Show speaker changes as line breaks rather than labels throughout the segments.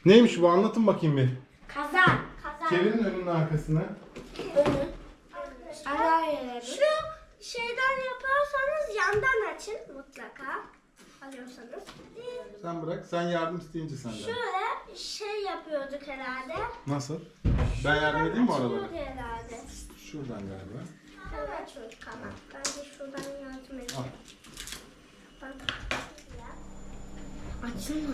Neymiş bu? Anlatın bakayım bir.
Kazan.
Çevirin önünün arkasını.
Şu şeyden yaparsanız yandan açın mutlaka. Alıyorsanız.
Sen bırak. Sen yardım isteyince senden.
Şöyle şey yapıyorduk herhalde.
Nasıl? Ben yardım edeyim mi oralara?
Açıyorduk herhalde.
Şuradan galiba.
Evet açıyorduk ama. Ben de şuradan yardım edeyim.
Al.
Bak. Açılmadı.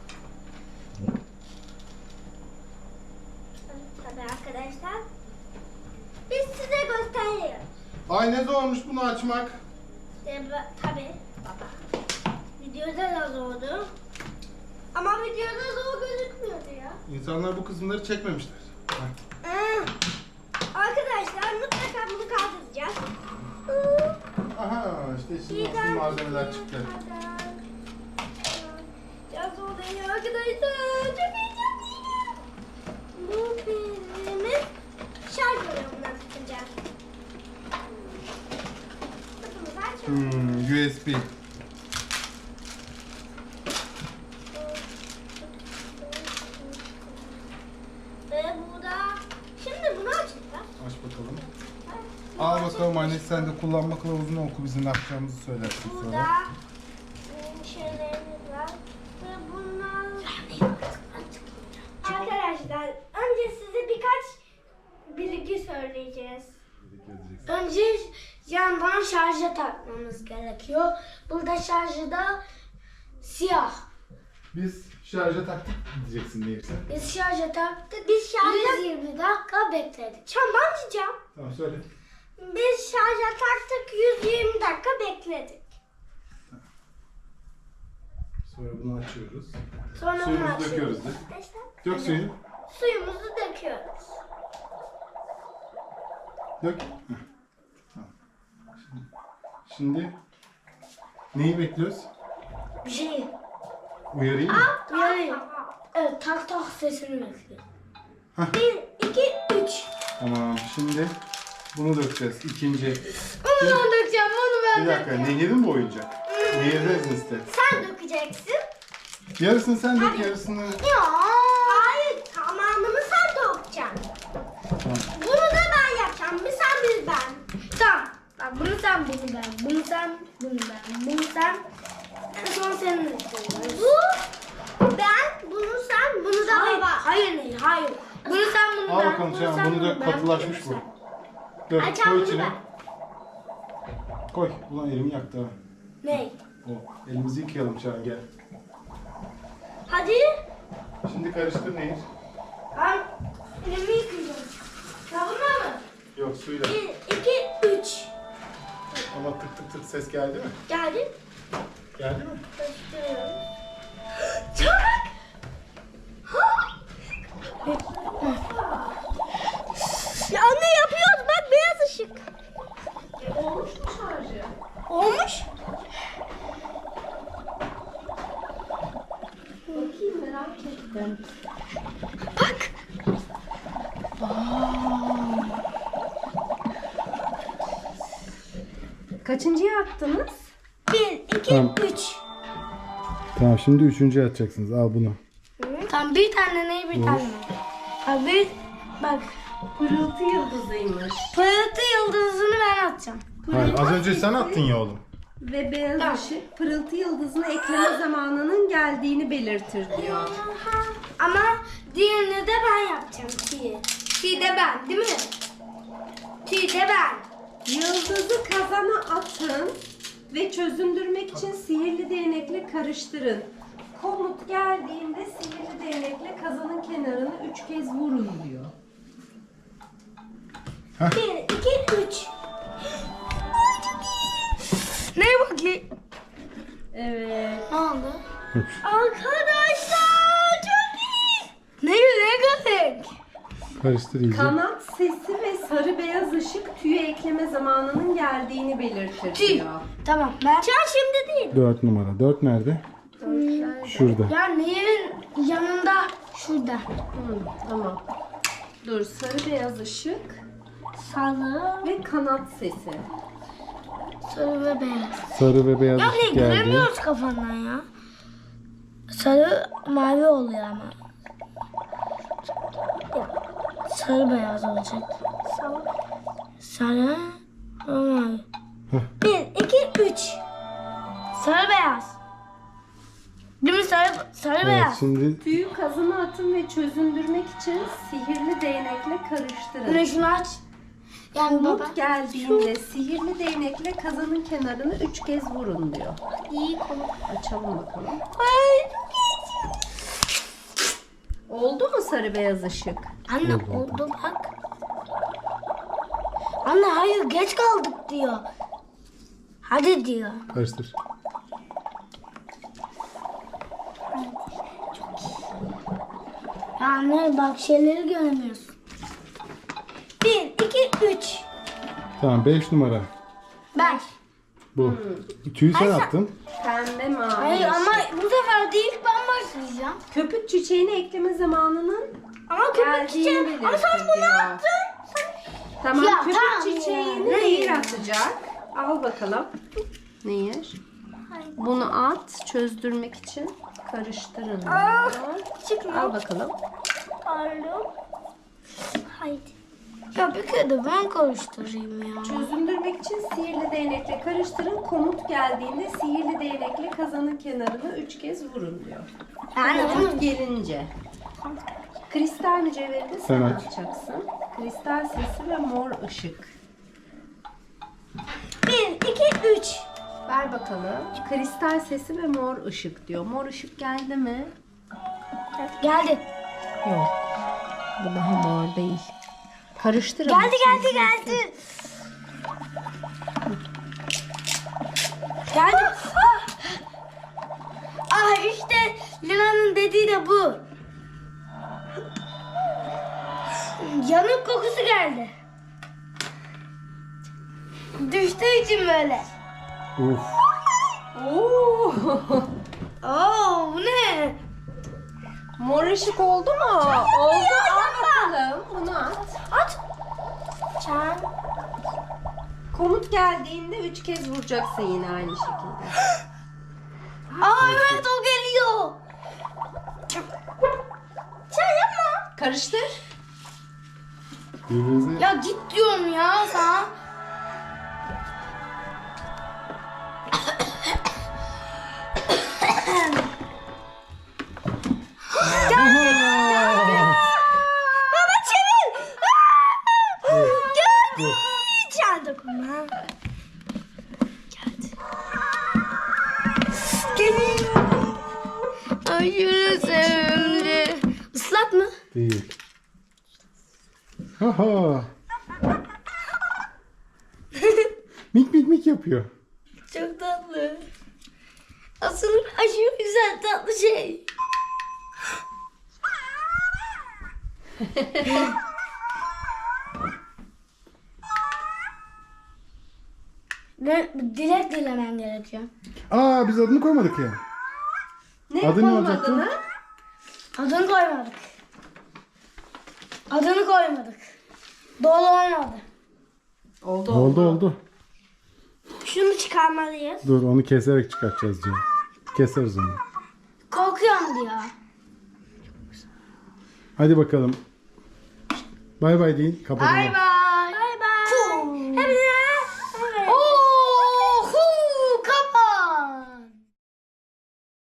Tabii arkadaşlar. Biz size gösteriyoruz.
Ay ne zormuş bunu açmak.
Tabii baba. Videoda da zordu. Ama videoda zor gözükmüyordu ya.
İnsanlar bu kısımları çekmemişler. Heh.
Arkadaşlar mutlaka bunu kaldıracağız.
Aha işte şimdi asıl malzemeler çıktı.
Biraz oluyor arkadaşlar. Çok heyecanlıyım. Bu bizim şarj bölümünden tutacağız.
USB.
Ve burada şimdi bunu açacağız.
Aç bakalım. Al bakalım anne, sen de kullanma kılavuzunu oku, bizim ne yapacağımızı söylersin
Burada
sonra.
şeylerimiz var. Ve bunlar... Arkadaşlar önce size birkaç bilgi söyleyeceğiz. Önce yandan şarja takmamız gerekiyor. Burada şarjı da siyah.
Biz şarja taktık diyeceksin neyse.
Biz şarja taktık. Biz şarja 120 dakika bekledik. Ben diyeceğim.
Tamam söyle.
Biz şarja taktık 120 dakika bekledik.
Sonra bunu açıyoruz.
Sonra
Suyumuzu
bunu açıyoruz.
döküyoruz değil mi?
Arkadaşlar,
Dök suyu.
suyumuzu döküyoruz.
Dök. Heh. Tamam. Şimdi neyi bekliyoruz?
Bir şey.
Uyarayım mı?
Uyarayım. Evet, tak tak sesini bekliyorum.
Hah.
1, 2, 3.
Tamam, şimdi bunu dökeceğiz. İkinci.
Onu ben dökeceğim, onu ben
Bir dakika,
dökeceğim.
nehirin mi oyuncak? Nehirde iste.
Sen dökeceksin.
Yarısını sen dök, yarısını...
Ya. Hayır, tamamını sen dökeceksin.
Tamam.
Bunu da ben yapacağım. Bir sen, bir ben. Tamam. Bak bunu sen, bunu ben. Bunu sen, bunu ben. Bunu sen. En son senin üstüne. Bu ben, bunu sen, bunu da hayır. Hayır. Bunu sen, bunu
Al
ben.
bakalım
bunu
Şahan,
sen,
bunu dök,
ben,
katılaşmış
bunu
bu.
sen.
Dök,
Açalım
koy
bunu
içine.
ben.
Koy. Ulan elimi yaktı ha.
Ne?
O. Elimizi yıkayalım Şahan, gel.
Hadi.
Şimdi karıştır Nehir.
Ben elimi yıkayacağım. Sabunla mı?
Yok, suyla.
1, 2, 3.
Ama tık tık tık ses geldi mi?
Geldi.
Geldi mi?
Karıştırıyorum. Çabuk. Ya anne yapıyoruz, bak beyaz ışık.
Olmuş mu şarjı?
Olmuş.
Bakayım, merak ettim.
Bak.
Kaçıncıya attınız?
1, 2,
Tamam.
3.
Tamam, şimdi üçüncü atacaksınız. Al bunu.
Tamam, bir tane ne, bir tane. Bak bir, bak.
Pırıltı yıldızıymış.
Pırıltı yıldızını ben atacağım.
Hayır, az önce sen attın ya oğlum.
Ve beyaz ışık pırıltı yıldızına ekleme zamanının geldiğini belirtir diyor.
Ama diğerini de ben yapacağım. Ti de ben, değil mi? Ti de ben.
Yıldızı kazana atın ve çözündürmek için sihirli değnekle karıştırın. Komut geldiğinde sihirli değnekle kazanın kenarını 3 kez vurun diyor.
1, 2, 3. Ne bakayım?
Evet.
Ne oldu? Arkadaşlar çok iyi. Ne kadar?
Karıştır iyice.
Kanat sesi ve sarı beyaz ışık tüye ekleme zamanının geldiğini belirtir
Tüy.
diyor.
Tamam ben. Şimdi değil.
4 numara. 4 nerede? Şurada.
Ya neyin yanında? Şurada.
Tamam. Dur, sarı beyaz ışık
Sarı.
ve kanat sesi.
Sarı ve beyaz.
Sarı ve beyaz
Ya
ışık
ne
geldi.
göremiyoruz kafandan ya. Sarı mavi oluyor ama. Sarı beyaz olacak. Sarı. Olmaz.
Heh.
1, 2, 3. Sarı beyaz. Değil mi sarı
Evet,
beyaz?
şimdi
Tüyü kazana atın ve çözündürmek için sihirli değnekle karıştırın.
Güneşini aç. Yani baba.
Komut geldiğinde sihirli değnekle kazanın kenarını 3 kez vurun diyor.
İyi komut.
Açalım bakalım.
Ay.
Oldu mu sarı beyaz ışık?
Anne oldu bak. Anne hayır geç kaldık diyor. Hadi diyor.
karıştır.
Ya anne bak şeyleri göremiyorsun. 1, 2, 3.
Tamam 5 numara.
5.
Bu. Tüyü sen attın.
Pembe mavi.
Hayır
ışık.
ama bu sefer değil ben başlayacağım.
Köpük çiçeğini ekleme zamanının
Ama köpek
geldiğini
çiçeği. Ama sen
belirtir
bunu
diyor.
attın.
Tamam,
Ya,
köpük
tamam
çiçeğini
ya.
Nehir atacak. Al bakalım. Nehir. Bunu at, çözdürmek için karıştırın.
Aa,
diyor.
çıkma.
Al bakalım.
Pardon. Haydi. Ya bir kere de ben karıştırayım ya.
Çözündürmek için sihirli değnekle karıştırın. Komut geldiğinde sihirli değnekle kazanın kenarını 3 kez vurun diyor.
Yani
Komut gelince. Kristal mücevheri de sen
Sen aç.
açacaksın. Kristal sesi ve mor ışık.
1, 2, 3.
Ver bakalım. Kristal sesi ve mor ışık diyor. Mor ışık geldi mi?
Geldi.
Yok. Bu daha mor değil. Karıştırın.
Geldi. Geldi. İşte Lina'nın dediği de bu. Yanık kokusu geldi. Düştüğü için böyle.
Uf.
Oo.
Oo bu ne?
Mor ışık oldu mu? Oldu. Al bakalım. Bunu at.
At. Çan.
Komut geldiğinde 3 kez vuracaksın yine aynı şekilde.
Evet o geliyor. Çan yapma.
Karıştır.
Birbirinize
Ya git diyorum ya sana. Baba çevir. Geldi. Çan dokunma. Geldi. Geliyor. Aşırı sevimli. Islak mı?
değil. Haha. Mik yapıyor.
Çok tatlı. Asıl aşırı güzel tatlı şey. Dilek dilemen gerekiyor.
Aa biz adını koymadık ya.
Ne
Adı ne
yapalım
olacaktı?
adını?
Adını koymadık. Adını koymadık. Dolu olmadı.
Oldu.
Şunu çıkarmalıyız.
Dur onu keserek çıkartacağız diyor. Keseriz onu.
Korkuyorum diyor.
Hadi bakalım. Bay bay deyin. Kapatalım.
Bay bay.